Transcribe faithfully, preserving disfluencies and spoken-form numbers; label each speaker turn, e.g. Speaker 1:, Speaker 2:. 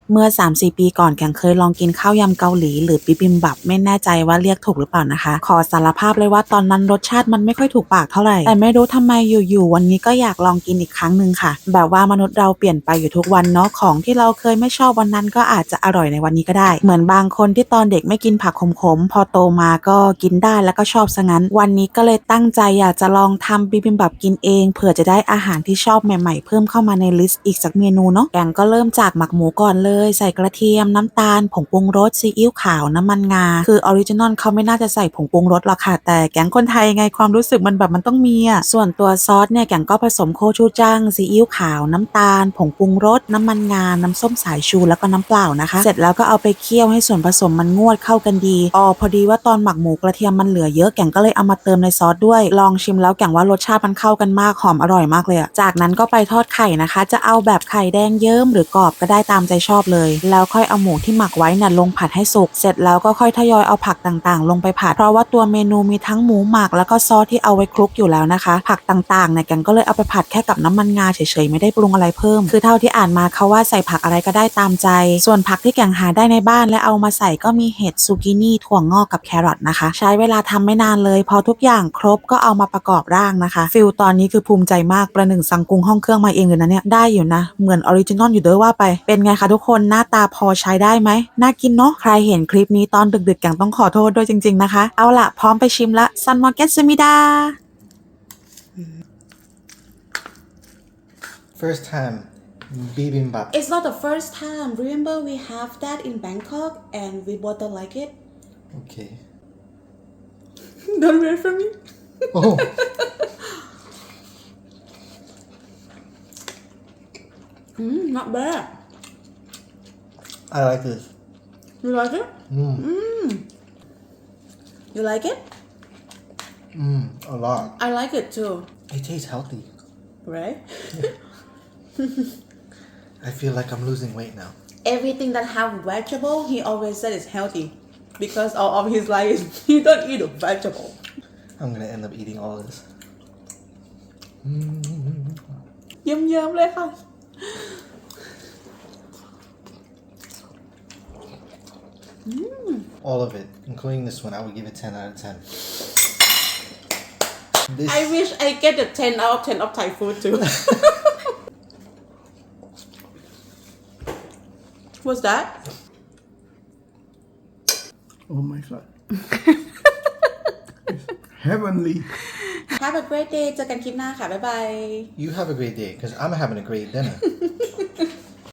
Speaker 1: เมื่อ สามสี่ ปีก่อนแกงเคยลองกินข้าวยำเกาหลีหรือบิบิมบับไม่แน่ใจว่าเรียกถูกหรือเปล่านะคะขอสารภาพเลยว่าตอนนั้นรสชาติมันไม่ค่อยถูกปากเท่าไหร่แต่ไม่รู้ทำไมอยู่ๆวันนี้ก็อยากลองกินอีกครั้งหนึ่งค่ะแบบว่ามนุษย์เราเปลี่ยนไปอยู่ทุกวันเนาะของที่เราเคยไม่ชอบวันนั้นก็อาจจะอร่อยในวันนี้ก็ได้เหมือนบางคนที่ตอนเด็กไม่กินผักขมๆพอโตมาก็กินได้แล้วก็ชอบซะงั้นวันนี้ก็เลยตั้งใจอยากจะลองทำบิบิมบับกินเองเผื่อจะได้อาหารที่ชอบใหม่ๆเพิ่มเข้ามาในลิสต์อีกสักเมนูเนาะแกงก็เริ่มจากหมักหมูก่อนเลยใส่กระเทียมน้ำตาลผงปรุงรสซีอิ๊วขาวน้ำมันงาคือออริจินอลเขาไม่น่าจะใส่ผงปรุงรสหรอกค่ะแต่แกงคนไทยไงความรู้สึกมันแบบมันต้องมีอ่ะส่วนตัวซอสเนี่ยแกงก็ผสมโคชูจังซีอิ๊วขาวน้ำตาลผงปรุงรสน้ำมันงาน้ำส้มสายชูแล้วก็น้ำเปล่านะคะเสร็จแล้วก็เอาไปเคี่ยวให้ส่วนผสมมันงวดเข้ากันดีอ๋อพอดีว่าตอนหมักหมูกระเทียมมันเหลือเยอะแกงก็เลยเอามาเติมในซอสด้วยลองชิมแล้วแกงว่ารสชาติมันเข้ากันมากหอมอร่อยมากเลยอะจากนั้นก็ไปทอดไข่นะคะจะเอาแบบไข่แดงเยิ้มหรือกรอบก็ได้ตามใจชอบเลยแล้วค่อยเอาหมูที่หมักไว้เนี่ยลงผัดให้สุกเสร็จแล้วก็ค่อยทยอยเอาผักต่างๆลงไปผัดเพราะว่าตัวเมนูมีทั้งหมูหมักแล้วก็ซอสที่เอาไว้คลุกอยู่แล้วนะคะผักต่างๆเนี่ยแกงก็เลยเอาไปผัดแค่กับน้ำมันงาเฉยๆไม่ได้ปรุงอะไรเพิ่มคือเท่าที่อ่านมาเขาว่าใส่ผักอะไรก็ได้ตามใจส่วนผักที่แกงหาได้ในบ้านและเอามาใส่ก็มีเห็ดซูกินี่ถั่วงอกกับแครอทนะคะใช้เวลาทำไม่นานเลยพอทุกอย่างครบก็เอามาประกอบร่างนะคะฟิลตอนนี้คือภูมิใจมากประหนึ่งสั่งกุ้งห้องเครื่องมาเองเลยนะเนี่ยได้อยู่นะเหมือนออริจินอลอยู่เด้อว่าไปเป็นไงคะทุกคนหน้าตาพอใช้ได้ไหมน่ากินเนาะใครเห็นคลิปนี้ตอนดึกๆแกงต้องขอโทษด้วยจริงๆนะคะเอาล่ะพร้อมไปชิมละซันมอร์เกตซูมิดา
Speaker 2: First time bibimbap.
Speaker 1: It's not the first time. Remember we have that in Bangkok and we both don't like it.
Speaker 2: Okay.
Speaker 1: Don't wait for me.
Speaker 2: Oh.
Speaker 1: mm, not bad.
Speaker 2: I like this.
Speaker 1: You like it?
Speaker 2: Mm.
Speaker 1: Mm. You like it?
Speaker 2: Mm, a lot.
Speaker 1: I like it too.
Speaker 2: It tastes healthy.
Speaker 1: Right?
Speaker 2: I feel like I'm losing weight now.
Speaker 1: Everything that have vegetable, he always said is healthy. Because all of his life is he don't eat a vegetable.
Speaker 2: I'm gonna end up eating all this.
Speaker 1: เยิ้มๆเลยค่ะ
Speaker 2: All of it, including this one, I would give it ten out of ten. This,
Speaker 1: I wish I get the ten out of ten of Thai food too. What's that?
Speaker 3: Oh my god. Heavenly.
Speaker 1: Have a great day เจอกันคลิปหน้าค่ะ บ๊ายบาย
Speaker 2: you have a great day, because I'm having a great dinner.